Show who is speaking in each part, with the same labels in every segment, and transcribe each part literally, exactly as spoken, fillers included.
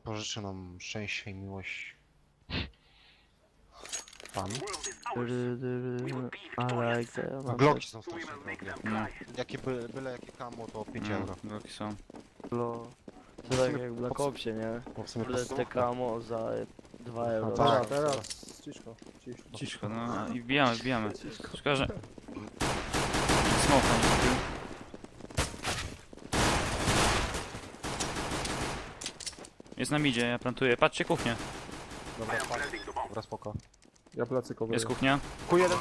Speaker 1: pożyczy nam szczęście i miłość. Pan.
Speaker 2: I like that.
Speaker 1: No, Glocki są strasznie drogie.
Speaker 3: No,
Speaker 1: Jakie by, byle jakie kamo to pięć
Speaker 3: no,
Speaker 1: euro.
Speaker 3: bloki są.
Speaker 2: To tak jak w Black Opsie, nie?
Speaker 1: Bo w sumie
Speaker 2: Kurde, te
Speaker 1: podstawówka.
Speaker 2: kamo za dwa euro.
Speaker 1: tak.
Speaker 4: Teraz, teraz, ciszko, ciszko.
Speaker 3: Ciszko, no i wbijamy, wbijamy. Szkoda, że... Smoka nie kupił. Jest na midzie, ja plantuję. Patrzcie, kuchnię.
Speaker 1: Dobra, spoko. Dobra, spoko.
Speaker 4: Ja plecy coveruję.
Speaker 3: Jest kuchnia.
Speaker 1: Q jeden.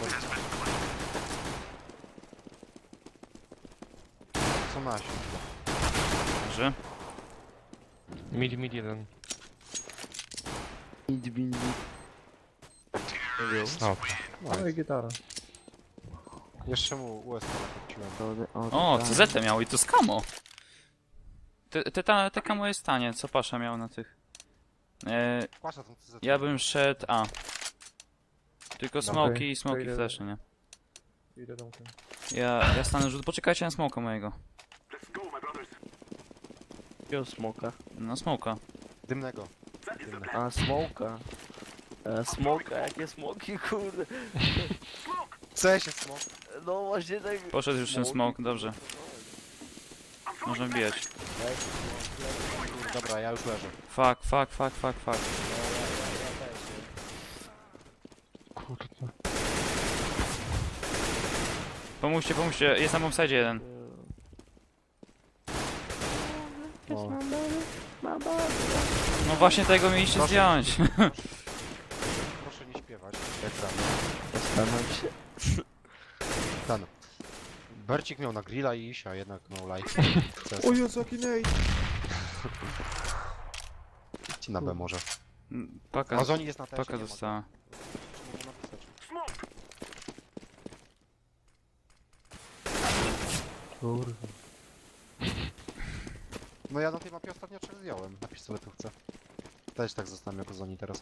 Speaker 1: Co nasi?
Speaker 3: Dobrze.
Speaker 5: Mid, mid jeden.
Speaker 2: Bindi, bindi.
Speaker 5: O,
Speaker 4: No i gitara.
Speaker 1: Jeszcze mu U S B nakręciłem.
Speaker 3: O, C Z miał i to z kamo. Te, te, ta, te kamo jest tanie, co Pasza miał na tych. E,
Speaker 1: Pasza tą C Z.
Speaker 3: ja bym szedł A. Tylko
Speaker 1: Dobra.
Speaker 3: smoki i
Speaker 4: To
Speaker 3: smoki
Speaker 4: idę-
Speaker 3: flesze, nie?
Speaker 4: Idę domkiem.
Speaker 3: Ja, ja stanę rzut. Poczekajcie na smoka mojego.
Speaker 2: Jakiego smoka?
Speaker 3: No smoka.
Speaker 1: Dymnego. Dymne.
Speaker 2: A, smoka. E, smoka, jakie smoki, kurde.
Speaker 1: C się smok.
Speaker 2: No właśnie tak...
Speaker 3: Poszedł już ten smok, dobrze. Można bijać.
Speaker 1: Dobra, ja już leżę.
Speaker 3: Fuck, fuck, fuck, fuck, fuck.
Speaker 5: kurde.
Speaker 3: Pomóżcie, pomóżcie, jest na bombsite jeden.
Speaker 1: O.
Speaker 3: No właśnie tego mieliście
Speaker 1: Proszę.
Speaker 3: zdjąć.
Speaker 1: Proszę nie śpiewać. Jak tam.
Speaker 2: Zastanawiam się.
Speaker 1: Ten. Bercik miał na grilla i iść, a jednak no life.
Speaker 4: O Jezu, jaki nade!
Speaker 1: Ci na B może.
Speaker 3: Paka,
Speaker 1: Amazoni jest na teście.
Speaker 3: paka
Speaker 1: nie ma go.
Speaker 3: została.
Speaker 1: Mogę napisać.
Speaker 4: Kurwa.
Speaker 1: No ja na tej mapie ostatnio trzech zdjąłem na pistoletówce. Też tak zostanę jako Zoni teraz.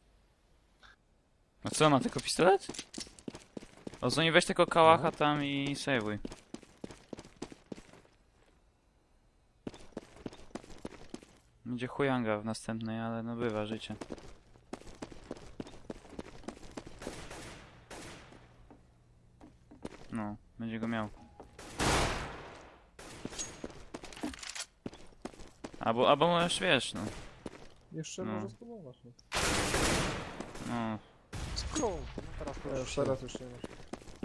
Speaker 3: A co, ma tylko pistolet? O, Zoni, weź tylko kałacha tam i sejwuj. Będzie chujanga w następnej, ale no bywa życie. No, będzie go miał. Albo, albo możesz, wiesz, no.
Speaker 4: Jeszcze
Speaker 3: No.
Speaker 4: może spróbować. No.
Speaker 3: No,
Speaker 1: Skrół. No teraz to
Speaker 4: Ja
Speaker 1: już
Speaker 4: już
Speaker 1: się...
Speaker 4: teraz już nie masz.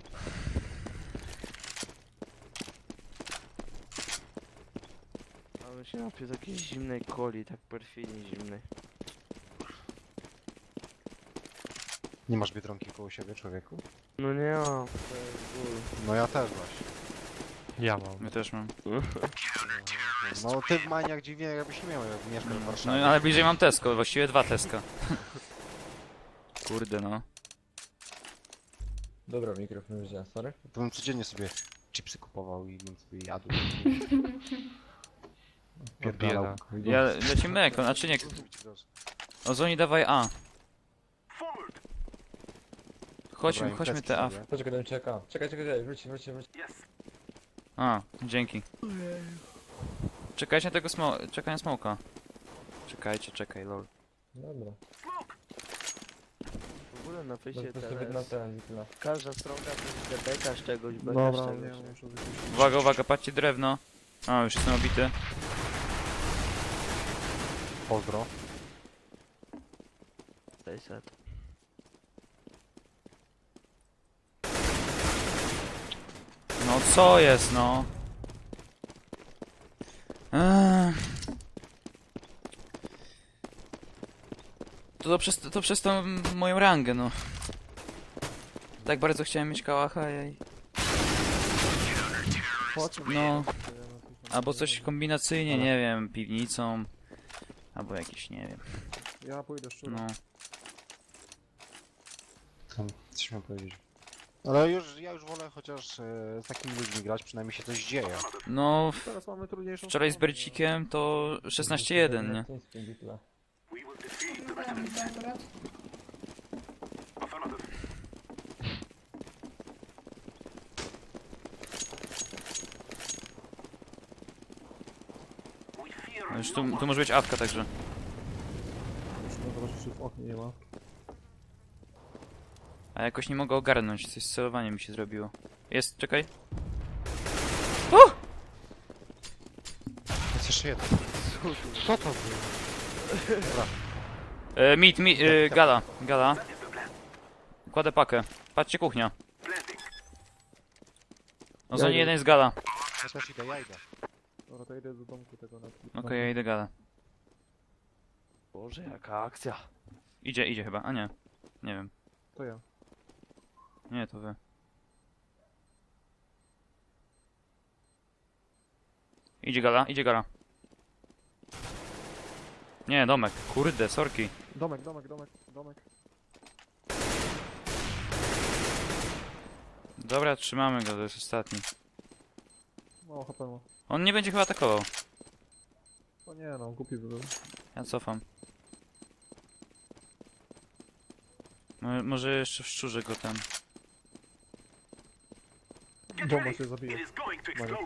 Speaker 2: Ale się napił takiej zimnej coli, tak perfidnie zimnej.
Speaker 1: Nie masz Biedronki koło siebie, człowieku?
Speaker 2: No nie mam. To jest ból.
Speaker 1: No ja też właśnie.
Speaker 5: Ja mam.
Speaker 3: my też mam.
Speaker 1: No ty w Maniach dziwnie jakbyś nie miał, jak mieszkasz w
Speaker 3: No
Speaker 1: Warszawie.
Speaker 3: ale bliżej mam Tesco, właściwie dwa Tesco. Kurde no.
Speaker 6: Dobra, mikrofon wziąłem, sorry.
Speaker 1: To bym codziennie sobie chipsy kupował i bym sobie jadł.
Speaker 5: Bieda.
Speaker 3: Ja lecimy mleko, znaczy nie. Ozoni dawaj A. Chodźmy,
Speaker 1: Dobra,
Speaker 3: chodźmy
Speaker 1: imprezki
Speaker 3: te A.
Speaker 1: sobie.
Speaker 6: Poczekaj, dam czeka. Czekaj, czekaj, czekaj, wróć, wróć, wróć.
Speaker 3: A, dzięki. Czekajcie na tego smo... Czekaj na smoka. Czekajcie, czekaj, lol.
Speaker 6: Dobra.
Speaker 2: W ogóle na fejsie
Speaker 6: To sobie na
Speaker 2: teraz
Speaker 6: ten, tyle.
Speaker 2: każda stronka to jest bekasz czegoś, bekasz
Speaker 4: Dobra,
Speaker 2: czegoś.
Speaker 4: nie, muszę wyjść.
Speaker 3: Uwaga, uwaga, patrzcie drewno. A, już jestem obity.
Speaker 1: Pozdro.
Speaker 2: sześćset.
Speaker 3: No co jest, no? Eee. To, to, przez, to przez tą moją rangę, no. Tak bardzo chciałem mieć kałacha i...
Speaker 4: Po co?
Speaker 3: No, albo coś kombinacyjnie,
Speaker 1: Ale-
Speaker 3: nie wiem, piwnicą. Albo jakiś, nie wiem,
Speaker 4: Ja pójdę szczurem.
Speaker 3: no.
Speaker 1: Tam, coś miałem powiedzieć. Ale już, ja już wolę chociaż e, z takimi ludźmi grać, przynajmniej się coś dzieje.
Speaker 3: No,
Speaker 4: Teraz mamy trudniejszą
Speaker 3: wczoraj z
Speaker 4: stronę,
Speaker 3: Bercikiem to szesnaście jeden, nie?
Speaker 6: Tyle.
Speaker 3: Już tu, tu może być awka także.
Speaker 4: czy w oknie nie ma.
Speaker 3: A jakoś nie mogę ogarnąć, coś z celowaniem mi się zrobiło. Jest, czekaj.
Speaker 1: Jest jeszcze jeden.
Speaker 5: Co to było?
Speaker 3: E, mit, mit, e, gala, gala. Kładę pakę. Patrzcie, kuchnia. No za
Speaker 4: Ja
Speaker 3: nie
Speaker 4: idę.
Speaker 3: jeden jest gala.
Speaker 1: Ja też idę, ja idę.
Speaker 4: Dobra, to idę do domku tego na
Speaker 3: Okej, ja idę gala.
Speaker 2: Boże, jaka akcja.
Speaker 3: Idzie, idzie chyba, a nie. Nie wiem.
Speaker 4: To ja.
Speaker 3: Nie, to wy. Idzie gala, idzie gala. Nie, domek. Kurde, sorki.
Speaker 4: Domek, domek, domek, domek.
Speaker 3: Dobra, trzymamy go, to jest ostatni.
Speaker 4: Mało H P ma.
Speaker 3: On nie będzie chyba atakował.
Speaker 4: O nie no, głupi by był.
Speaker 3: Ja cofam. Mo- Może jeszcze szczurze go tam.
Speaker 4: Bomba się zabije. Mario.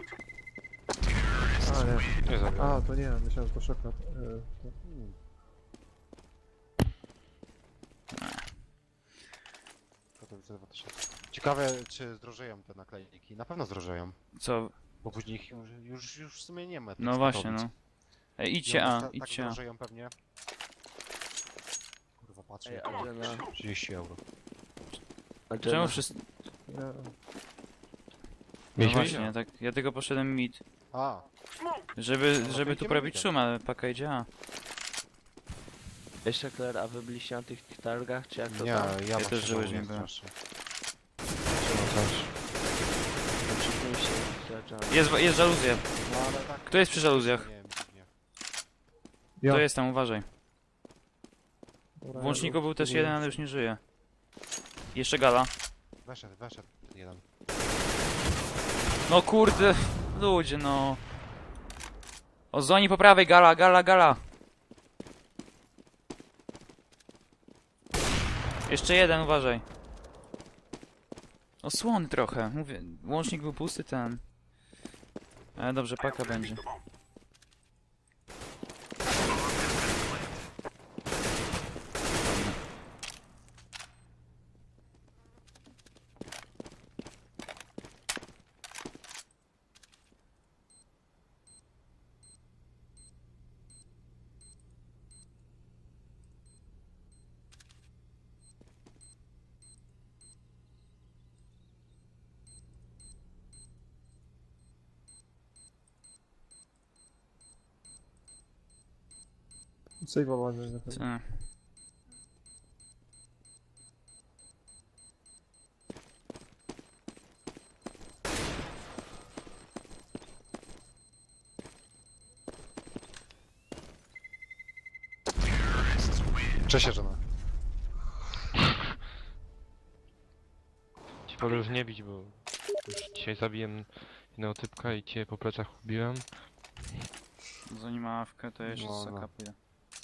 Speaker 5: A nie, nie zabiłem.
Speaker 4: A, to nie, myślałem, że to szokrat. Yy, to...
Speaker 1: Katowice dwa tysiące. Ciekawe, czy zdrożeją te naklejki. Na pewno zdrożeją.
Speaker 3: Co?
Speaker 1: Bo później ich już, już, już w sumie nie ma. tych
Speaker 3: No właśnie,
Speaker 1: Katowic.
Speaker 3: no. Ej,
Speaker 1: I
Speaker 3: idźcie
Speaker 1: one
Speaker 3: A,
Speaker 1: ta-
Speaker 3: idźcie
Speaker 1: Tak
Speaker 3: A.
Speaker 1: zdrożeją pewnie. Kurwa, patrzę.
Speaker 2: Ej,
Speaker 1: jak-
Speaker 2: Adriana.
Speaker 1: trzydzieści euro.
Speaker 3: Czemu
Speaker 2: Adriana.
Speaker 3: wszyscy...
Speaker 4: Nie,
Speaker 3: No
Speaker 5: Mieliśmy
Speaker 3: właśnie, tak, ja tylko poszedłem mid.
Speaker 1: A,
Speaker 3: Żeby,
Speaker 1: No to
Speaker 3: żeby tu
Speaker 1: idziemy
Speaker 3: prawić
Speaker 1: midem.
Speaker 3: szum, ale paka idzie A.
Speaker 2: Jeszcze Claire, a wy byliście na tych targach, czy jak to
Speaker 1: nie,
Speaker 2: tam?
Speaker 1: ja,
Speaker 3: Ja
Speaker 1: właśnie
Speaker 3: też żyłeś
Speaker 1: żałuję
Speaker 3: nie byłem.
Speaker 1: strasznie.
Speaker 2: Przypnij się, Adriana.
Speaker 3: Jest, jest żaluzja.
Speaker 1: No ale tak.
Speaker 3: Kto jest przy żaluzjach?
Speaker 1: Nie wiem, dziwnie.
Speaker 4: ja.
Speaker 3: To jest tam, uważaj.
Speaker 4: Dobra,
Speaker 3: W łączniku
Speaker 4: ja
Speaker 3: był też
Speaker 4: spróbuję.
Speaker 3: jeden, ale już nie żyje. Jeszcze gala.
Speaker 1: Weszedł, weszedł ten jeden.
Speaker 3: No kurde, ludzie no. O zoni po prawej, gala, gala, gala. Jeszcze jeden, uważaj. Osłony trochę, mówię, łącznik był pusty ten. Ale dobrze, paka będzie.
Speaker 4: Save'owanie na pewno.
Speaker 3: Co?
Speaker 1: Cześć, żona.
Speaker 5: Ci wolę już nie bić, bo już dzisiaj zabiłem jednego typka i cię po plecach ubiłem.
Speaker 3: Zanim ma awkę, to jeszcze
Speaker 1: No,
Speaker 3: z
Speaker 1: no.
Speaker 3: saka pójdę.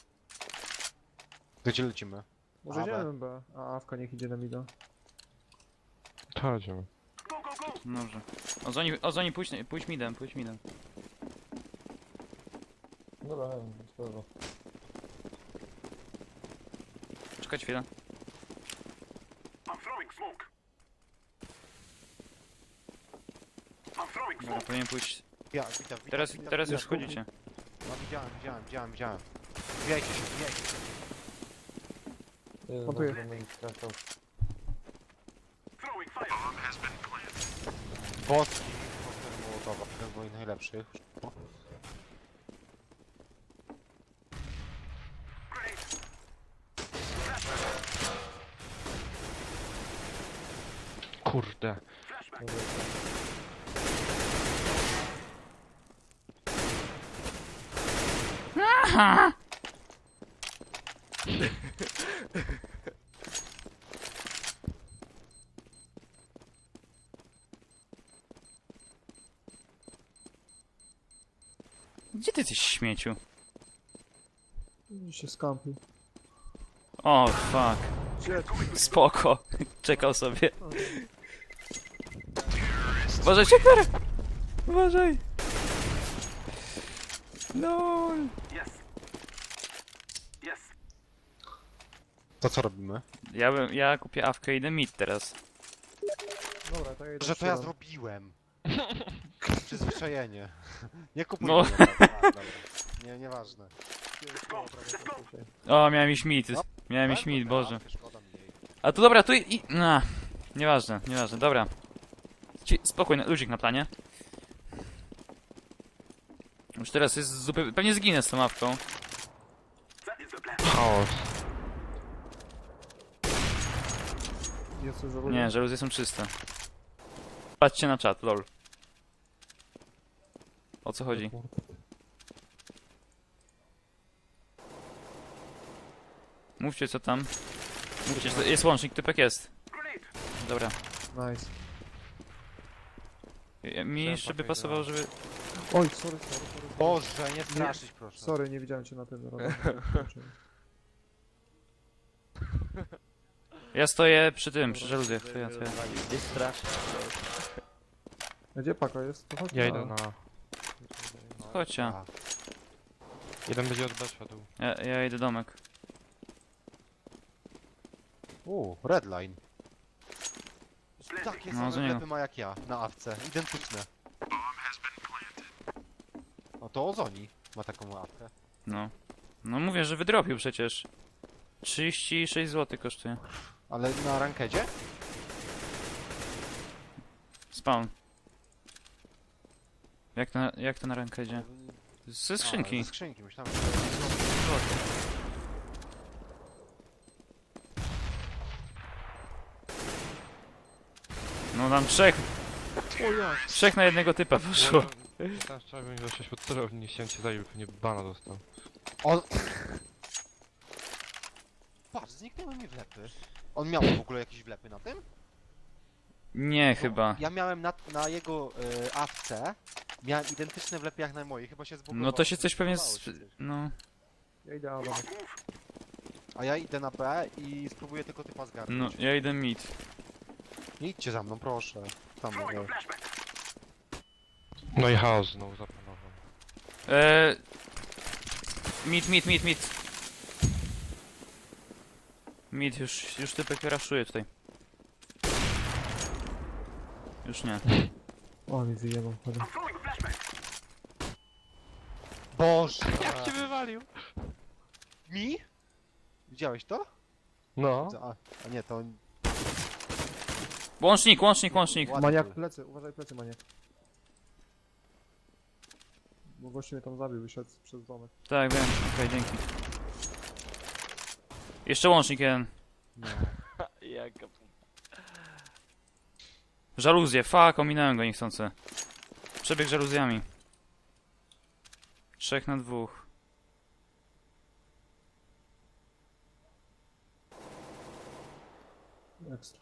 Speaker 1: Gdzie lecimy?
Speaker 4: Może
Speaker 1: A, B.
Speaker 4: idziemy B, a Awka niech idzie na mida.
Speaker 5: To chodzimy.
Speaker 3: Dobrze. O zoni, o zoni pójdź, pójdź midem, pójdź midem.
Speaker 6: Dobra, nie wiem, spoko.
Speaker 3: Czekaj chwilę. Dobra, powinien pójść.
Speaker 1: Ja, witam, witam.
Speaker 3: Teraz,
Speaker 1: witam,
Speaker 3: teraz już
Speaker 1: witam.
Speaker 3: wchodzicie.
Speaker 1: No widziałem, widziałem, widziałem, widziałem. Wbijajcie się, wbijajcie się.
Speaker 6: Jeden
Speaker 4: Montuję.
Speaker 6: na drugim skręcał.
Speaker 1: Boski, koktajl Mołotowa, jeden z moich najlepszych.
Speaker 5: Kurde.
Speaker 3: Gdzie ty jesteś śmieciu?
Speaker 4: I się skampił.
Speaker 3: O, fuck.
Speaker 4: Gdzie?
Speaker 3: Spoko. Czekał sobie. Uważaj, Czekler! Uważaj! No.
Speaker 1: To co robimy?
Speaker 3: Ja, bym, ja kupię awkę i idę mid teraz.
Speaker 4: Dobra, to ja idę
Speaker 1: Że to ja
Speaker 4: strzelam.
Speaker 1: zrobiłem. Przyzwyczajenie. Nie kupuj
Speaker 3: No.
Speaker 1: mnie, dobra, dobra. Nie, nieważne.
Speaker 3: O, miałem iść mid.
Speaker 1: No.
Speaker 3: Miałem iść mid,
Speaker 1: Dobra,
Speaker 3: Boże.
Speaker 1: szkoda mi jej.
Speaker 3: A to dobra, tu i... i no, nieważne, nieważne, dobra. Ci, spokój, ludzik na planie. Już teraz jest zupełnie... Pewnie zginę z tą awką.
Speaker 5: Chaos.
Speaker 4: Jest już
Speaker 3: Nie, żaluzje są czyste. Patrzcie na czat, lol. O co chodzi? Mówcie co tam. Mówcie, że to jest łącznik, typek jest. Dobra.
Speaker 4: Nice.
Speaker 3: Ja- Mi
Speaker 1: Chciałem
Speaker 3: jeszcze by
Speaker 1: pakę
Speaker 3: pasowało,
Speaker 1: grać.
Speaker 3: żeby...
Speaker 4: Oj, sorry, sorry, sorry.
Speaker 1: Boże, nie straszyć proszę.
Speaker 4: Sorry, nie widziałem cię na tym radarze.
Speaker 3: Ja stoję przy tym, przy żaluzjach. To ja, to ja.
Speaker 2: Jest strasznie.
Speaker 4: A gdzie paka jest? To chodź
Speaker 5: Ja
Speaker 4: na-
Speaker 5: idę na...
Speaker 3: Chodźcie.
Speaker 1: A,
Speaker 5: Jeden będzie od B szedł.
Speaker 3: Ja, ja idę domek.
Speaker 1: U, redline. Takie
Speaker 3: No,
Speaker 1: same
Speaker 3: to nie.
Speaker 1: wlepy ma jak ja, na awce. Identyczne. O, to Ozoni ma taką awkę.
Speaker 3: No. No mówię, że wydropił przecież. trzydzieści sześć złotych kosztuje.
Speaker 1: Ale na rankedzie?
Speaker 3: Spawn. Jak to, na- jak to na rękę idzie? Ze
Speaker 1: A,
Speaker 3: skrzynki.
Speaker 1: ze skrzynki, myślałem, że...
Speaker 3: No tam trzech. Trzech na jednego typa poszło.
Speaker 5: Teraz trzeba bym do sześć pod celowni, nie chciałem cię zabił, pewnie bana dostał.
Speaker 1: On... Patrz, zniknęły mi wlepy. On miał w ogóle jakieś wlepy na tym?
Speaker 3: Nie, chyba.
Speaker 1: Ja miałem na, na jego y, awce, miałem identyczne wlepy jak na mojej, chyba się zbugowało.
Speaker 3: No to się coś pewnie...
Speaker 1: zbugowało
Speaker 3: Z...
Speaker 1: się coś.
Speaker 3: No.
Speaker 4: Ja idę A, dobra.
Speaker 1: A ja idę na B i spróbuję tylko typa
Speaker 3: No,
Speaker 1: zgarnąć.
Speaker 3: ja idę mid.
Speaker 1: Nie idźcie za mną, proszę. Tam mogę.
Speaker 5: No i chaos znowu zapanował.
Speaker 3: Eee... Mid, mid, mid, mid. Mid, już, już typek raszuje tutaj. Już nie.
Speaker 4: O, mi wyjebał, chodź.
Speaker 1: Boże!
Speaker 5: Jak cię wywalił?
Speaker 1: Mi? Widziałeś to?
Speaker 5: No.
Speaker 1: A, a nie, to...
Speaker 3: Łącznik, łącznik, łącznik.
Speaker 1: Ładny
Speaker 4: Maniak
Speaker 1: był.
Speaker 4: plecy, uważaj plecy, maniak. Bo gościu mnie tam zabił, wyszedł przez domek.
Speaker 3: Tak, wiem. Okej, dzięki. Jeszcze łącznik jeden.
Speaker 1: No.
Speaker 2: Jaka
Speaker 3: Żaluzje, fuck, ominąłem go niechcący. Przebieg żaluzjami. Trzech na dwóch.
Speaker 4: Ekstra.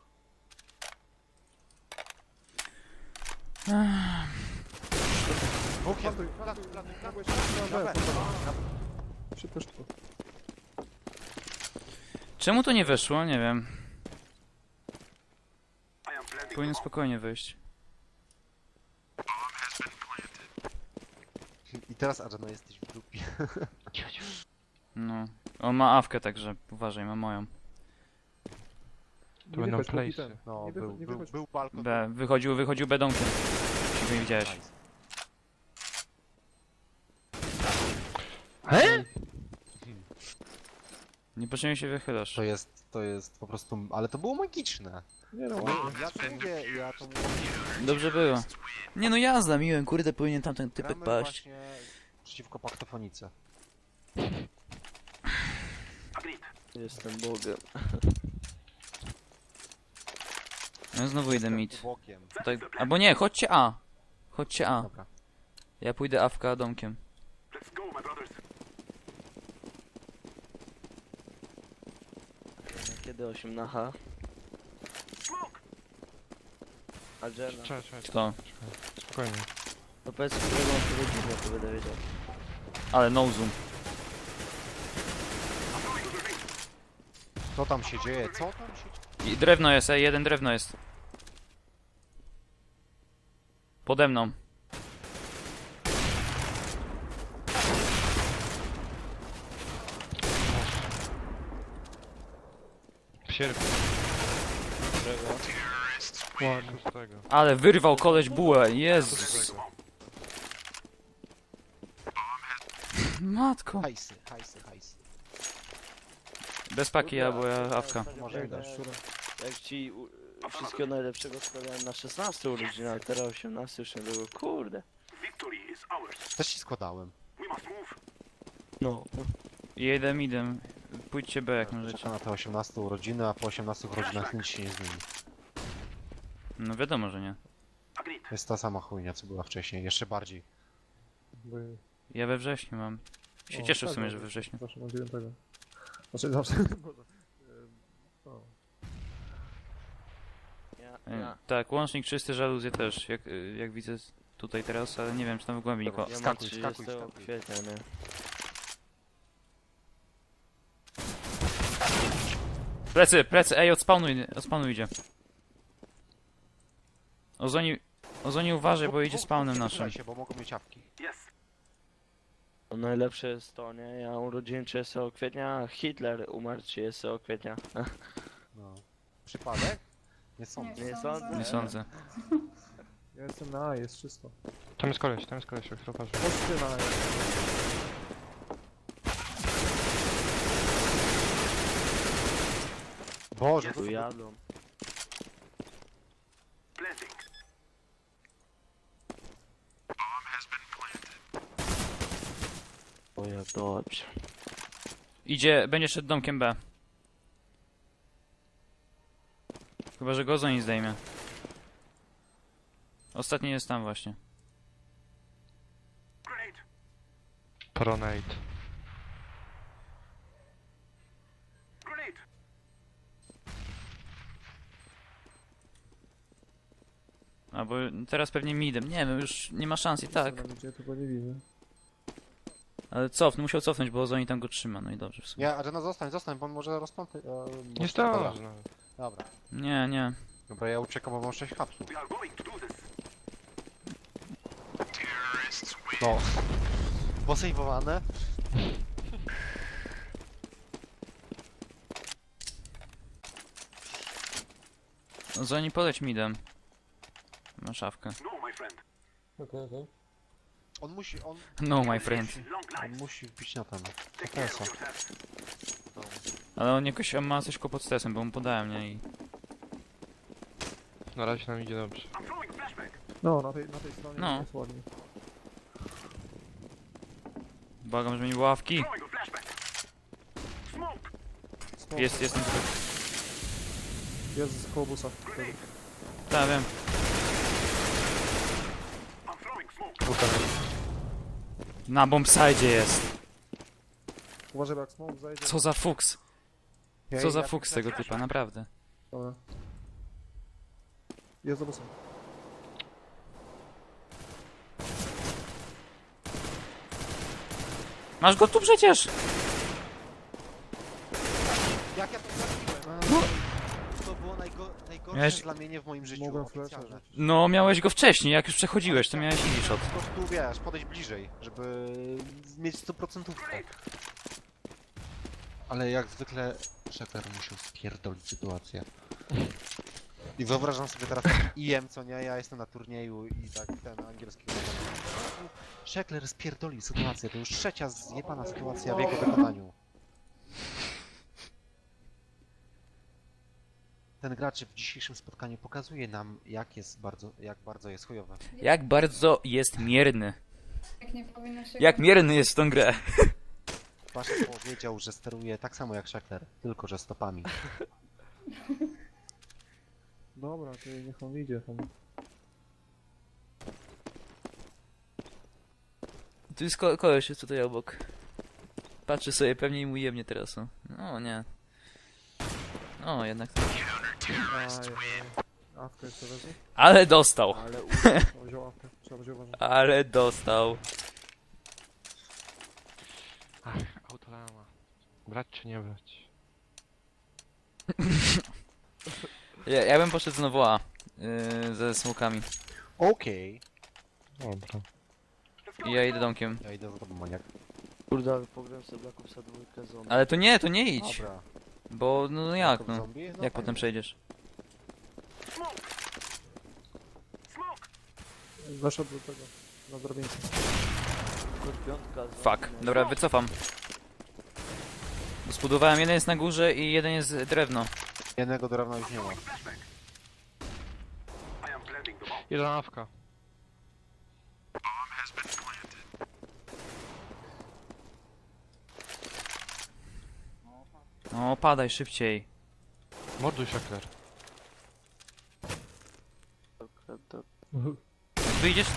Speaker 1: Dwóch jest.
Speaker 4: Plantuj,
Speaker 1: Plantuj, plantuj, plantuj.
Speaker 4: Na
Speaker 1: Na
Speaker 4: B,
Speaker 1: B.
Speaker 4: Szybko, szybko.
Speaker 3: Czemu to nie weszło? Nie wiem. Powinien spokojnie wejść.
Speaker 1: I teraz Adjana jesteś w dupie.
Speaker 3: No. On ma awkę, także uważaj, ma moją.
Speaker 5: To będą
Speaker 4: wychodź, póki
Speaker 5: place'y.
Speaker 4: ten.
Speaker 1: No,
Speaker 4: Nie
Speaker 1: był,
Speaker 4: wychodź, nie
Speaker 1: był,
Speaker 4: wychodź.
Speaker 1: był balkon.
Speaker 3: B, wychodził, wychodził bedomkiem. Jeśli nie widziałeś.
Speaker 1: Nice.
Speaker 3: Niepotrzebnie się wychylasz.
Speaker 1: To jest, to jest po prostu... Ale to było magiczne.
Speaker 4: Nie no,
Speaker 1: Ja to mówię, ja to mówię.
Speaker 3: Dobrze było. Nie no jazda, miłem, kurde, powinien tamten typek
Speaker 1: Gramy
Speaker 3: paść.
Speaker 1: właśnie przeciwko paktofonice.
Speaker 2: Jestem Bogiem.
Speaker 3: No znowu idę mid.
Speaker 1: Bokiem.
Speaker 3: Tak, albo nie, chodźcie A. Chodźcie A.
Speaker 1: Dobra.
Speaker 3: Ja pójdę awka domkiem.
Speaker 2: Kiedy osiem na H? A Jenna?
Speaker 5: Czekaj, czekaj,
Speaker 3: Kto?
Speaker 5: spokojnie.
Speaker 2: No powiedz, którego mam powiedzieć, ja to będę wiedział.
Speaker 3: Ale no zoom.
Speaker 1: Co tam się dzieje? Co tam się dzieje?
Speaker 3: I drewno jest, ej, jeden drewno jest. Pode mną.
Speaker 5: Sierpień
Speaker 4: Ładnie.
Speaker 5: szóstego.
Speaker 3: Ale wyrwał koleś bułę, Jezus. Matko.
Speaker 1: Hajsy, hajsy, hajsy.
Speaker 3: Bez paki albo ja awka.
Speaker 1: Może
Speaker 2: jak,
Speaker 1: i dasz.
Speaker 2: jak ci u, wszystkiego najlepszego składałem na szesnaste urodziny, a teraz osiemnaste już nie było. Kurde.
Speaker 1: Też ci składałem.
Speaker 2: No.
Speaker 3: Jedem, idem. Pójdźcie B jak możecie.
Speaker 1: Czekam na te osiemnaste urodziny, a po osiemnastych urodzinach nic się nie zmieni.
Speaker 3: No wiadomo, że nie.
Speaker 1: To jest ta sama chujnia, co była wcześniej, jeszcze bardziej.
Speaker 4: By...
Speaker 3: Ja we wrześniu mam. Się
Speaker 4: O,
Speaker 3: cieszę w
Speaker 4: tak,
Speaker 3: sumie,
Speaker 4: no,
Speaker 3: że we wrześniu.
Speaker 4: Zawsze mam dziewiątego. Znaczy zawsze, może. Ym, O.
Speaker 2: Ja,
Speaker 3: E,
Speaker 2: ja,
Speaker 3: Tak, łącznik czysty, żaluzje też, jak, y, jak widzę z- tutaj teraz, ale nie wiem czy tam w głębi nikogo.
Speaker 2: ja mam
Speaker 1: Skakuj, skakuj,
Speaker 2: trzydziestego
Speaker 1: skakuj.
Speaker 2: kwietnia, nie?
Speaker 3: Plecy, plecy, ej, odspawnuj, odspawnuj idzie. Ozoni, Ozoni uważaj, bo idzie spawnem naszym.
Speaker 1: się, bo mogą mieć awki.
Speaker 2: No, najlepsze jest to, nie? Ja urodziny trzydziestego kwietnia, a Hitler umarł trzydziestego kwietnia.
Speaker 1: No. Przypadek? Nie sądzę.
Speaker 2: Nie sądzę.
Speaker 3: Nie sądzę.
Speaker 4: Ja jestem na A, jest czysto.
Speaker 5: Tam jest koleś, tam jest koleś, jak chłoparzy.
Speaker 4: Chodźcie na A.
Speaker 1: Boże, to
Speaker 2: Tu jadą. O jak dobrze.
Speaker 3: Idzie, będzie szedł domkiem B. Chyba, że go Ozoni zdejmie. Ostatni jest tam właśnie.
Speaker 5: Pronate.
Speaker 3: Albo teraz pewnie midem, nie wiem, już nie ma szans i tak.
Speaker 4: Tam idzie, tylko nie widzę.
Speaker 3: Ale cofnął, musiał cofnąć, bo Ozoni tam go trzyma, no i dobrze w sumie.
Speaker 1: Nie, Adriana zostań, zostań, bo on może rozpąty. E,
Speaker 5: Nie zdąży. no.
Speaker 1: Dobra.
Speaker 3: Nie, nie.
Speaker 1: Dobra, ja uciekam, bo mam sześć hapsów. No. Posejwowane.
Speaker 3: Ozoni poleć midem. Ma szafkę.
Speaker 6: Okej, okej.
Speaker 1: On musi, on,
Speaker 3: No my friend.
Speaker 1: on musi wbić na ten. T S a.
Speaker 3: Ale on jakoś ma coś kłopot z testem, bo mu podałem, nie? I...
Speaker 5: Na razie nam idzie dobrze.
Speaker 4: No, na tej, na tej stronie
Speaker 3: No.
Speaker 4: jest ładnie.
Speaker 3: Błagam, żeby nie było ławki.
Speaker 4: Smoke.
Speaker 3: Jest, jest.
Speaker 4: Jest z koło busa.
Speaker 3: Tak, wiem. Na bombsite jest.
Speaker 4: Uważaj, bo jak smoke zajdzie.
Speaker 3: Co za fuks.
Speaker 1: Ja-
Speaker 3: Co za
Speaker 1: ja-
Speaker 3: fuks tego typa, naprawdę.
Speaker 4: Dobra. Jest za busem.
Speaker 3: Masz go tu przecież!
Speaker 1: Jak ja to zrobiłem?
Speaker 3: No.
Speaker 1: To było najgo najgorsze
Speaker 3: Miałeś-
Speaker 1: zlamienie w moim życiu.
Speaker 4: Mogłem flasha
Speaker 1: oficjalne.
Speaker 4: rzucić.
Speaker 3: No, miałeś go wcześniej, jak już przechodziłeś, to miałeś easy shot.
Speaker 1: Po prostu, wiesz, podejść bliżej, żeby mieć sto procent. Ale jak zwykle Szefer musiał spierdolić sytuację. I wyobrażam sobie teraz I M, co nie, ja jestem na turnieju i tak ten angielski. Szekler spierdolił sytuację, to już trzecia zjebana sytuacja w jego wykonaniu. Ten gracz w dzisiejszym spotkaniu pokazuje nam, jak jest bardzo, jak bardzo jest chujowy.
Speaker 3: Jak bardzo jest mierny.
Speaker 7: Jak nie powinno się...
Speaker 3: Jak mierny jest w tą grę.
Speaker 1: Baszek powiedział, że steruje tak samo jak Szekler, tylko że stopami.
Speaker 4: Dobra, to niech on idzie tam.
Speaker 3: Tu jest ko koleś jest tutaj obok. Patrzy sobie, pewnie i mu jemnie teraz, no. No, nie. O, jednak tak.
Speaker 4: Ajaj. Awkę jeszcze wezmę.
Speaker 3: Ale dostał.
Speaker 2: Ale u...
Speaker 4: Trzeba wziął awkę, trzeba będzie uważać.
Speaker 3: Ale dostał.
Speaker 5: Ach, autolama. Brać czy nie brać?
Speaker 3: Ja, ja bym poszedł znowu A. Yy, ze smokami.
Speaker 1: Okej.
Speaker 5: Dobra.
Speaker 3: I ja idę domkiem.
Speaker 1: Ja idę za tobą, maniak.
Speaker 2: Kurde, ale pogram sobie Black Opsa dwójkę zombie.
Speaker 3: Ale to nie, to nie idź.
Speaker 1: Dobra.
Speaker 3: Bo, no, no jak,
Speaker 1: Jako
Speaker 3: no?
Speaker 1: zombie? No
Speaker 3: Jak
Speaker 1: fajnie.
Speaker 3: potem przejdziesz?
Speaker 4: Weszedł do tego, na drabince.
Speaker 2: Piątka z
Speaker 3: Fuck. Dobra, wycofam. Bo zbudowałem, jeden jest na górze i jeden jest drewno.
Speaker 1: Jednego drewna już nie ma.
Speaker 5: Jeden awka.
Speaker 3: O, padaj szybciej.
Speaker 5: Morduj Szekler.
Speaker 3: Wyjdziesz?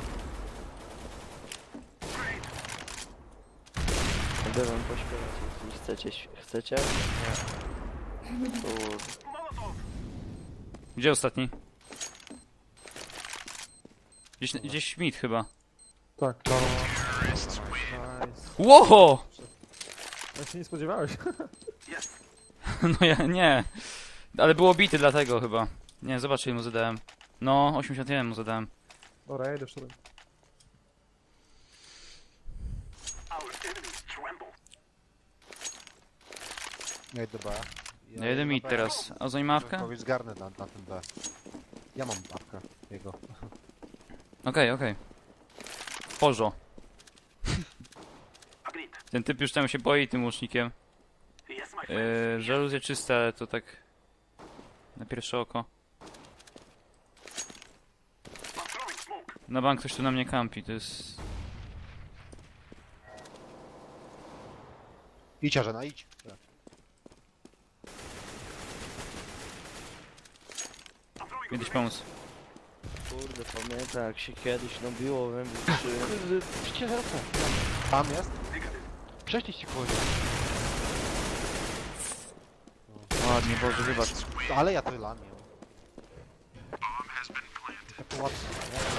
Speaker 2: Będę wam pośpiewać, jeśli chcecie. Chcecie? Nie. Kurde.
Speaker 3: Gdzie ostatni? Gdzieś, gdzieś mid chyba.
Speaker 4: Tak.
Speaker 5: No,
Speaker 4: Nice.
Speaker 3: Łoho!
Speaker 4: Ja się nie spodziewałeś.
Speaker 3: No ja nie. Ale było bity dlatego chyba. Nie, zobacz ile mu zadałem. No, osiemdziesiąt jeden mu zadałem.
Speaker 4: Dobra, ja idę w szurę.
Speaker 1: Ja idę B.
Speaker 3: Ja jeden mid teraz. A za mawka?
Speaker 1: Kogoś zgarnę na, na tym B. Ja mam babkę jego.
Speaker 3: Okej, okej. Porzo. Ten typ już tam się boi tym łucznikiem. Yy, żaluzje czyste, ale to tak... Na pierwsze oko. Na bank ktoś tu na mnie kampi, to jest...
Speaker 1: Idź, Arzena, idź.
Speaker 3: Kiedyś pomóc.
Speaker 2: Kurde, pamiętam jak się kiedyś nabiło we mnie trzy.
Speaker 5: Przecież zaraz.
Speaker 1: Tam jest?
Speaker 5: Prześliście koło.
Speaker 3: Ładnie, Boże, wybacz.
Speaker 1: Ale ja to lamię. Tak łatwo, nie?